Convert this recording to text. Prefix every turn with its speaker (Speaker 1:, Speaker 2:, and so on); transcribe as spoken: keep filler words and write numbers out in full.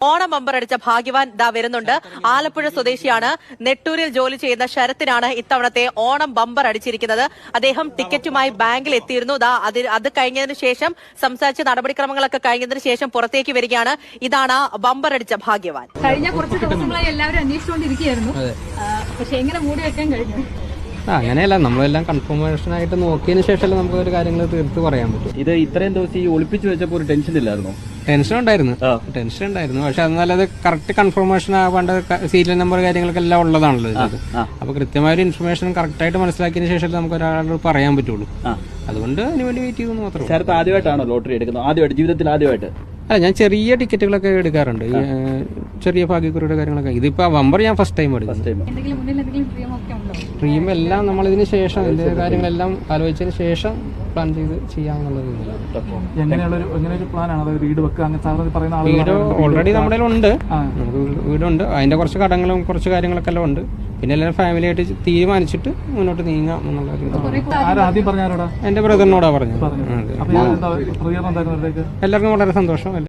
Speaker 1: Onam bumper അടിച്ച ഭാഗ്യവാൻ ദാ വരുന്നുണ്ട്. ആലപ്പുഴ സ്വദേശിയാണ്. നെട്ടൂരിൽ ജോലി ചെയ്യുന്ന ശരത്തിനാണ് ഇത്തവണത്തെ ഓണം ബമ്പർ അടിച്ചിരിക്കുന്നത്. അദ്ദേഹം ടിക്കറ്റുമായി ബാങ്കിൽ എത്തിയിരുന്നു. ദാ അത് അത് കഴിഞ്ഞതിന് ശേഷം സംസാരിച്ച നടപടിക്രമങ്ങളൊക്കെ കഴിഞ്ഞതിന് ശേഷം പുറത്തേക്ക് വരികയാണ്. ഇതാണ് ബമ്പർ അടിച്ച ഭാഗ്യവാൻ.
Speaker 2: കഴിഞ്ഞ കുറച്ച് ദിവസങ്ങളായി എല്ലാവരും അന്വേഷിച്ചുകൊണ്ടിരിക്കുകയായിരുന്നു. പക്ഷെ എങ്ങനെ മൂടി വെക്കാൻ കഴിഞ്ഞു?
Speaker 3: അങ്ങനെയല്ല, നമ്മളെല്ലാം കൺഫർമേഷൻ ആയിട്ട് നോക്കിയതിന് ശേഷമല്ലേ നമുക്ക് ഒരു കാര്യങ്ങൾ തീർത്ത് പറയാൻ പറ്റും.
Speaker 4: ഇത് ഇത്രയും ദിവസം ഈ ഒളിപ്പിച്ചു വെച്ചപ്പോൾ ഒരു ടെൻഷൻ ഇല്ലായിരുന്നു?
Speaker 3: ടെൻഷൻ ഉണ്ടായിരുന്നു ടെൻഷൻ ഉണ്ടായിരുന്നു പക്ഷെ എന്നാലും അത് കറക്റ്റ് കൺഫർമേഷൻ ആവേണ്ട സീരിയൽ നമ്പർ കാര്യങ്ങളൊക്കെ എല്ലാം ഉള്ളതാണല്ലോ ഇത്. അപ്പൊ കൃത്യമായ ഒരു ഇൻഫർമേഷൻ കറക്റ്റ് ആയിട്ട് മനസ്സിലാക്കിയതിന് ശേഷം നമുക്ക് ഒരാളോട് പറയാൻ പറ്റുള്ളൂ. അതുകൊണ്ട് അതിന് വേണ്ടി വെയിറ്റ് ചെയ്യുന്നു മാത്രമേ.
Speaker 4: ശരത്ത് ആദ്യമായിട്ടാണോ ലോട്ടറി എടുക്കുന്നത്? ആദ്യമായിട്ട്, ജീവിതത്തിൽ ആദ്യമായിട്ട്?
Speaker 3: അല്ല, ഞാൻ ചെറിയ ടിക്കറ്റുകളൊക്കെ എടുക്കാറുണ്ട്, ഈ ചെറിയ ഭാഗ്യക്കുറിയുടെ കാര്യങ്ങളൊക്കെ. ഇതിപ്പോ ബമ്പർ ഞാൻ ഫസ്റ്റ് ടൈം എടുക്കും. ഡ്രീം എല്ലാം നമ്മൾ ഇതിന് ശേഷം ഇതിന്റെ കാര്യങ്ങളെല്ലാം ആലോചിച്ചതിന് ശേഷം പ്ലാൻ ചെയ്ത് ചെയ്യാമെന്നുള്ള വീട് ഓൾറെഡി നമ്മുടെ ഉണ്ട്. നമുക്ക് വീടുണ്ട്, അതിന്റെ കുറച്ച് കടങ്ങളും കുറച്ച് കാര്യങ്ങളൊക്കെ എല്ലാം ഉണ്ട്. പിന്നെ എല്ലാവരും ഫാമിലി ആയിട്ട് തീരുമാനിച്ചിട്ട് മുന്നോട്ട് നീങ്ങാം എന്നുള്ള. എന്റെ ബ്രദറിനോടാ പറഞ്ഞത്. എല്ലാവർക്കും വളരെ സന്തോഷം.